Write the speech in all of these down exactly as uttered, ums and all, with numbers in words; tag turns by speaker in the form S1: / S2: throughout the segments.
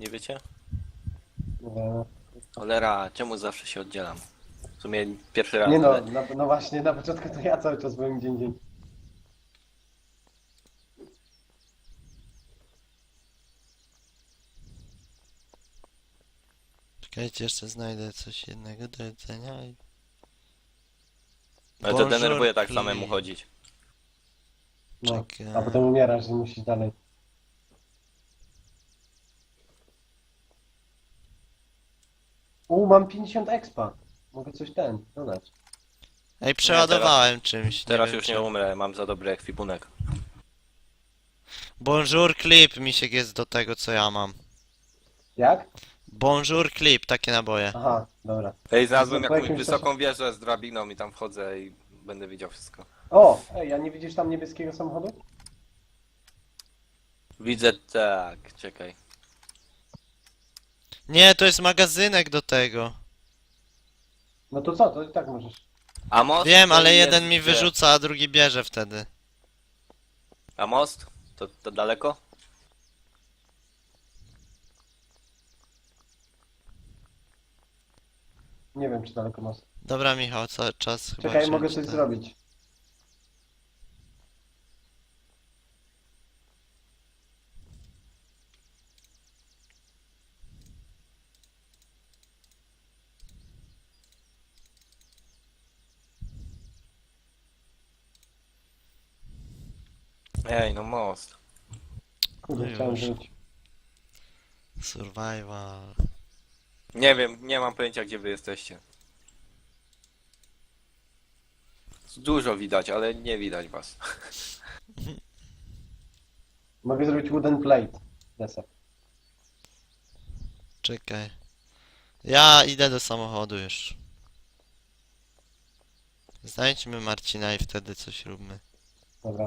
S1: Nie wiecie?
S2: Nie,
S1: Cholera, czemu zawsze się oddzielam? W sumie pierwszy raz,
S2: nie no,
S1: ale...
S2: no, no właśnie, na początku to ja cały czas byłem gdzie indziej.
S3: Czekajcie, jeszcze znajdę coś jednego do jedzenia i...
S1: Ale to
S3: Bonjour,
S1: denerwuje tak
S3: please.
S1: samemu chodzić.
S2: No,
S3: Czekaj.
S2: a potem umierasz i musisz dalej. U, mam pięćdziesiąt expa. Mogę coś ten, dodać.
S3: Ej, przeładowałem czymś.
S1: Teraz
S3: wiem
S1: już nie
S3: czym.
S1: umrę, mam za dobry ekwipunek.
S3: Bonjour clip, misiek jest do tego co ja mam.
S2: Jak?
S3: Bonjour clip, takie naboje.
S2: Aha, dobra.
S1: Ej, znalazłem
S2: Po
S1: jakąś
S2: jakimś
S1: wysoką wieżę z drabiną i tam wchodzę i będę widział wszystko.
S2: O, ej, a nie widzisz tam niebieskiego samochodu?
S1: Widzę tak, czekaj.
S3: Nie, to jest magazynek do tego.
S2: No to co, to i tak możesz.
S1: A most?
S3: Wiem,
S1: to
S3: ale
S1: jest
S3: jeden mi
S1: gdzie?
S3: wyrzuca, a drugi bierze wtedy.
S1: A most? To, to daleko?
S2: Nie wiem, czy daleko masz.
S3: Dobra, Michał, cały czas chyba
S2: Czekaj,
S3: wziąć
S2: mogę coś
S3: ten.
S2: zrobić.
S1: Ej, no most.
S2: Kurde,
S3: No
S2: chciałem
S3: już.
S2: żyć.
S3: Survival.
S1: Nie wiem, nie mam pojęcia gdzie wy jesteście. Dużo widać, ale nie widać was.
S2: Mogę zrobić wooden plate. Desek.
S3: Czekaj. Ja idę do samochodu już. Znajdźmy Marcina i wtedy coś róbmy.
S2: Dobra.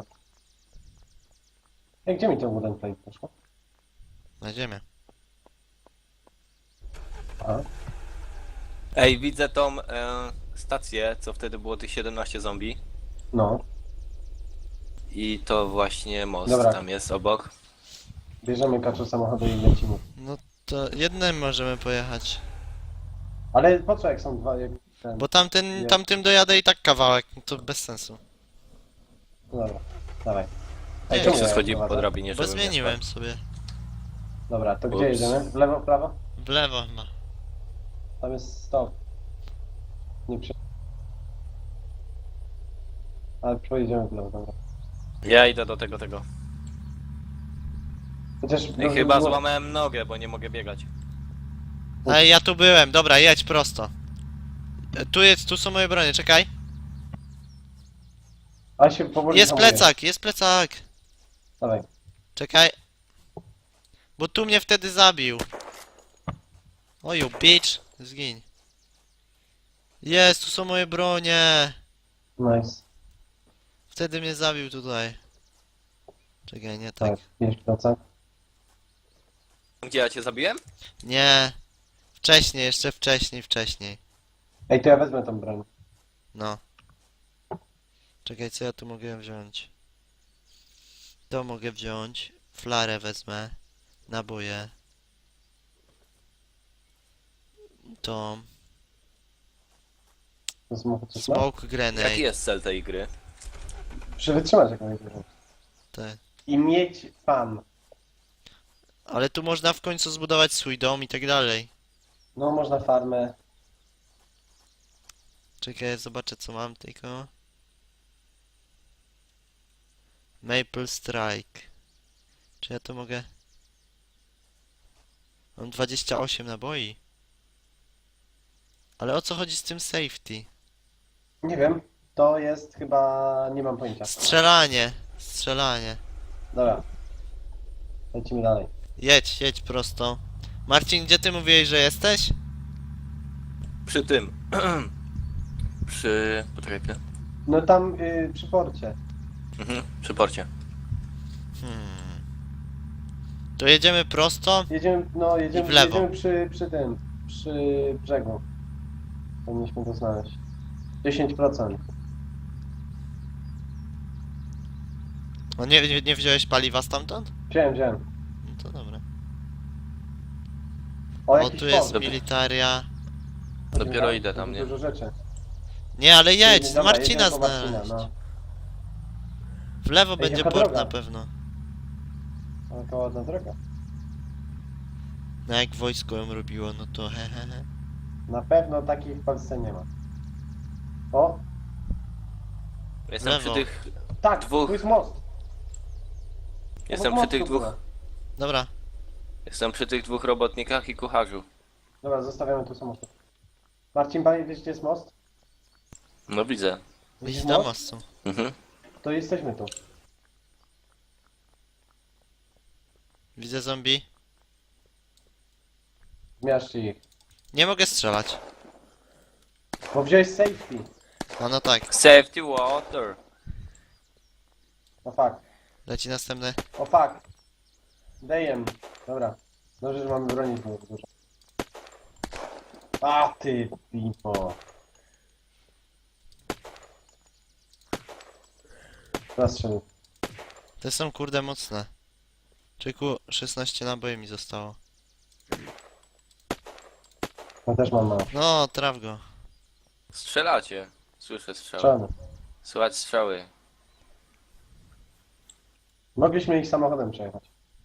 S2: Ej, gdzie mi to wooden plate poszło?
S3: Na ziemię.
S2: Aha.
S1: Ej, widzę tą e, stację, co wtedy było tych siedemnaście zombie.
S2: No.
S1: I to właśnie most
S2: Dobra.
S1: tam jest obok.
S2: Bierzemy kaczu samochodu i lecimy.
S3: No to jednym możemy pojechać.
S2: Ale po co jak są dwa, jak ten...
S3: Bo tamten,
S2: Nie.
S3: tamtym dojadę i tak kawałek, to bez sensu.
S2: No dobra, dawaj.
S3: Nie,
S2: czemu
S1: Jak się
S2: ja
S1: schodzi
S2: prowadzę?
S1: po drabinie,
S3: Bo
S1: żeby nie
S3: zmieniłem
S1: spadł.
S3: sobie.
S2: Dobra, to gdzie
S1: Ups.
S2: jedziemy? W lewo, w prawo?
S3: W lewo ma.
S2: Tam jest stop. Nie przy... Ale pojedziemy w lewo, dobra.
S1: Ja idę do tego, tego.
S2: Chociaż...
S1: Ej, chyba złamałem nogę, bo nie mogę biegać.
S3: Ej, ja tu byłem, dobra, jedź prosto. E, Tu jest, tu są moje bronie, czekaj.
S2: A się powoli
S3: Jest
S2: hamuje.
S3: plecak, jest plecak.
S2: Dawaj.
S3: Czekaj. Bo tu mnie wtedy zabił. Oju, bitch. Zgiń. Jest, tu są moje bronie.
S2: Nice.
S3: Wtedy mnie zabił tutaj. Czekaj, nie tak.
S2: Tak, jest plecak.
S1: Gdzie ja cię zabiłem?
S3: Nie. Wcześniej, jeszcze wcześniej, wcześniej.
S2: Ej, to ja wezmę tą broń.
S3: No. Czekaj, co ja tu mogę wziąć? To mogę wziąć. Flarę wezmę. Naboje. To.
S2: To samochód coś ma?
S3: Smoke grenade.
S1: Jaki jest cel tej gry?
S2: Przywytrzymać jak najwyżej.
S3: Te.
S2: I mieć fan.
S3: Ale tu można w końcu zbudować swój dom i tak dalej.
S2: No, można farmę.
S3: Czekaj, zobaczę co mam tylko. Maple Strike. Czy ja to mogę? Mam dwadzieścia osiem naboi. Ale o co chodzi z tym safety?
S2: Nie wiem. To jest chyba... nie mam pojęcia.
S3: Strzelanie. Strzelanie.
S2: Dobra. Lecimy dalej.
S3: Jedź, jedź prosto. Marcin, gdzie ty mówiłeś, że jesteś?
S1: Przy tym. Przy... Poczekaj chwilę.
S2: No tam y, przy porcie.
S1: Mhm, przy porcie.
S3: Hmm. To jedziemy prosto?
S2: Jedziemy, no
S3: I
S2: jedziemy,
S3: w lewo.
S2: jedziemy przy, przy tym, przy brzegu. Powinniśmy to znaleźć. dziesięć procent.
S3: No nie, nie, nie wziąłeś paliwa stamtąd?
S2: Wziąłem, wziąłem.
S3: No to dobra.
S2: O,
S3: O,
S2: jakiś
S3: tu jest
S2: port.
S3: militaria.
S1: Dopiero idę tam, nie?
S2: Dużo rzeczy.
S3: Nie, ale jedź,
S2: Dobra,
S3: Marcina
S2: jedziemy po Marcina,
S3: znaleźć.
S2: no.
S3: W lewo
S2: Ej,
S3: będzie
S2: jaka
S3: port
S2: droga?
S3: na pewno.
S2: Taka ładna droga.
S3: No jak wojsko ją robiło, no to hehehe.
S2: Na pewno takiej w Polsce nie ma. O,
S1: Jestem
S3: Lewo.
S1: przy tych...
S2: tak,
S1: Dwóch.
S2: tu jest most.
S1: Jestem
S2: Obok
S1: przy tych
S2: mostu
S1: dwóch...
S2: była.
S3: Dobra,
S1: Jestem przy tych dwóch robotnikach i kucharzu.
S2: Dobra, zostawiamy tu samochód. Marcin, panie, wiesz gdzie jest most?
S1: No widzę.
S3: idź
S2: Widzisz
S3: do
S2: most?
S3: mostu.
S1: Mhm.
S2: To jesteśmy tu.
S3: Widzę zombie.
S2: Zmiażdżcie ich.
S3: Nie mogę strzelać.
S2: Bo wziąłeś safety.
S3: A no tak,
S1: Safety water.
S2: O fuck.
S3: leci następny.
S2: O fuck. Dajem. Dobra. Dobrze, że mamy broni znowu dużo. A ty pipo. Zastrzelił.
S3: Te są kurde mocne. Czyku, szesnaście naboi mi zostało.
S2: Ja też mam mało.
S3: No, traf go.
S1: Strzelacie. Słyszę strzały.
S2: Strzelamy.
S1: Słychać strzały.
S2: Mogliśmy ich samochodem przejechać.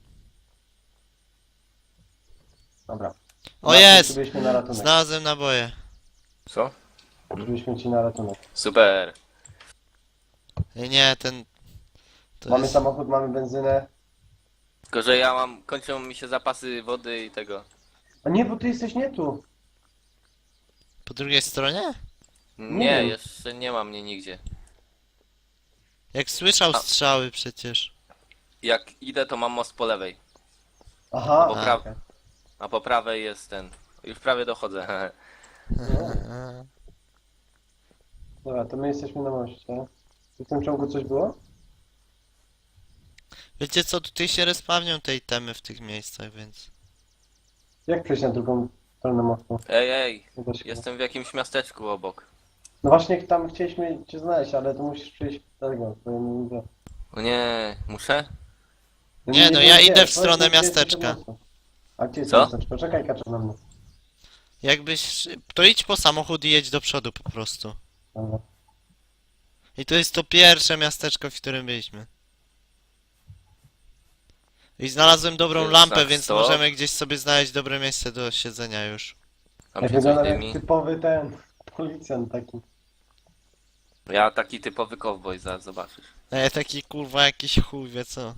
S2: Dobra.
S3: O,
S2: Marcin,
S3: jest!
S2: Przybyliśmy na ratunek.
S3: Znalazłem naboje.
S1: Co?
S2: Przybyliśmy ci na ratunek.
S1: Super.
S3: Ej, nie, ten... To
S2: Mamy
S3: jest...
S2: samochód, mamy benzynę.
S1: Tylko, że ja mam... Kończą mi się zapasy wody i tego.
S2: A nie, bo ty jesteś nie tu.
S3: Po drugiej stronie?
S1: Nie,
S2: wiem.
S1: jeszcze nie ma mnie nigdzie.
S3: Jak słyszał
S1: A.
S3: strzały przecież.
S1: Jak idę, to mam most po lewej.
S2: Aha.
S1: Po
S3: A.
S1: prawej.
S2: okej.
S1: A po prawej jest ten. Już prawie dochodzę.
S2: Dobra, to my jesteśmy na moście. Czy w tym ciągu coś było?
S3: Wiecie co, tutaj się respawnią te itemy w tych miejscach, więc...
S2: Jak przejść na drugą stronę mostu?
S1: Ej, ej.
S2: Nie da się.
S1: Jestem w jakimś miasteczku obok.
S2: No właśnie tam chcieliśmy cię znaleźć, ale to musisz przyjść do tego. bo ja nie wiem.
S1: O nie, muszę?
S3: Nie, no
S2: wiem,
S3: ja
S2: gdzie.
S3: idę w
S2: Powiedz
S3: stronę
S2: mi, gdzie jesteś
S3: miasteczka.
S2: od mostu. A gdzie jest
S1: Co?
S2: miasteczko? Czekaj, kaczę na mnie.
S3: Jakbyś... To idź po samochód i jedź do przodu po prostu.
S2: Dobra.
S3: I to jest to pierwsze miasteczko, w którym byliśmy. I znalazłem dobrą
S1: Jest
S3: lampę,
S1: znak
S3: więc
S1: stop.
S3: możemy gdzieś sobie znaleźć dobre miejsce do siedzenia już.
S1: Tam
S2: Ja
S1: się coś
S2: wyglądam jak
S1: dymi.
S2: typowy ten policjant taki.
S1: Ja taki typowy cowboy, zaraz zobaczysz.
S3: Ej, taki kurwa jakiś chuj, wie co.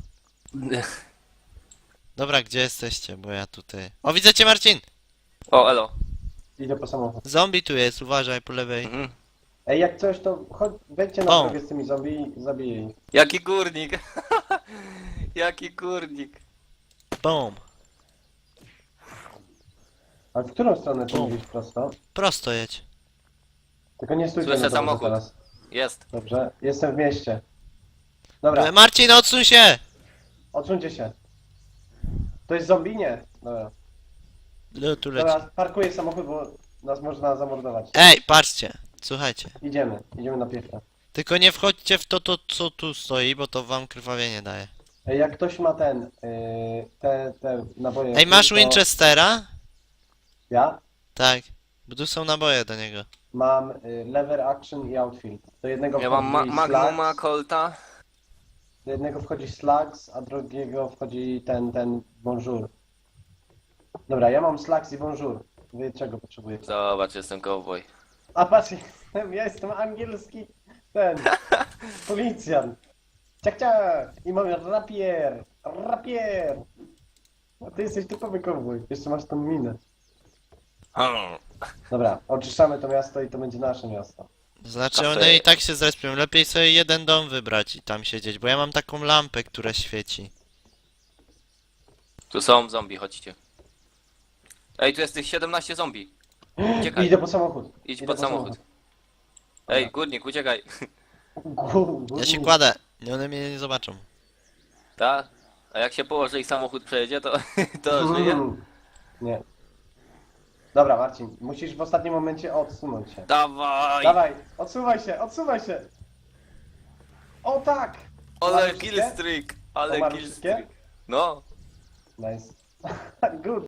S3: Dobra, gdzie jesteście? Bo ja tutaj... O, widzę cię, Marcin!
S1: O, elo.
S2: Idę po samochód.
S3: Zombie tu jest, uważaj po lewej.
S1: Mhm.
S2: Ej, jak coś to chodź, wejdźcie na
S3: O.
S2: drogę z tymi zombie i zabiję ich.
S1: Jaki górnik! Jaki górnik!
S3: Boom!
S2: Ale w którą stronę ty
S3: O.
S2: mówisz prosto?
S3: Prosto jedź.
S2: Tylko nie stójcie
S1: Słyszę
S2: na drodze
S1: samochód.
S2: teraz.
S1: Jest.
S2: Dobrze, jestem w mieście. Dobra,
S3: E, Marcin, odsuń się!
S2: odsuńcie się. To jest zombie? Nie. Dobra.
S3: No, tu leci.
S2: Dobra, parkuję samochód, bo nas można zamordować.
S3: Ej, patrzcie! Słuchajcie.
S2: Idziemy, idziemy na piechę.
S3: Tylko nie wchodźcie w to, to, co tu stoi, bo to wam krwawienie daje.
S2: Ej, jak ktoś ma ten, yy, te, te naboje...
S3: Ej, masz
S2: to
S3: Winchestera?
S2: Ja
S3: Tak. Bo tu są naboje do niego.
S2: mam y, lever action i outfield. Do jednego
S1: Ja mam ma
S2: wchodzi
S1: Magnuma,
S2: slugs,
S1: Colta.
S2: do jednego wchodzi slugs, a drugiego wchodzi ten, ten bonjour. Dobra, ja mam slugs i bonjour. Wy czego potrzebujecie?
S1: Zobacz, jestem cowboy.
S2: A patrz, jestem, ja jestem angielski ten, policjant. Ciak, ciak. I mam rapier, rapier. A ty jesteś typowy cowboy, jeszcze masz tą minę.
S1: Hmm.
S2: Dobra, oczyszczamy to miasto i to będzie nasze miasto.
S3: Znaczy
S1: Kafe.
S3: one i tak się zrespią. Lepiej sobie jeden dom wybrać i tam siedzieć, bo ja mam taką lampę, która świeci.
S1: Tu są zombie, chodźcie. Ej, tu jest tych siedemnaście zombie. Uciekaj.
S2: Idę po samochód.
S1: Idź
S2: Idę
S1: pod
S2: po
S1: samochód. Ej, górnik, uciekaj.
S2: Gu-
S3: Ja się
S2: gu-
S3: kładę. Nie, one mnie nie zobaczą.
S1: Ta? A jak się położy i samochód przejedzie, to, to żyje?
S2: Mm. Nie. Dobra, Marcin, musisz w ostatnim momencie odsunąć się.
S1: Dawaj!
S2: Dawaj, odsuwaj się, odsuwaj się! O tak!
S1: Ale
S2: Umarły wszystkie?
S1: killstreak! Ale
S2: Umarły wszystkie?
S1: killstreak! No!
S2: Nice. Good.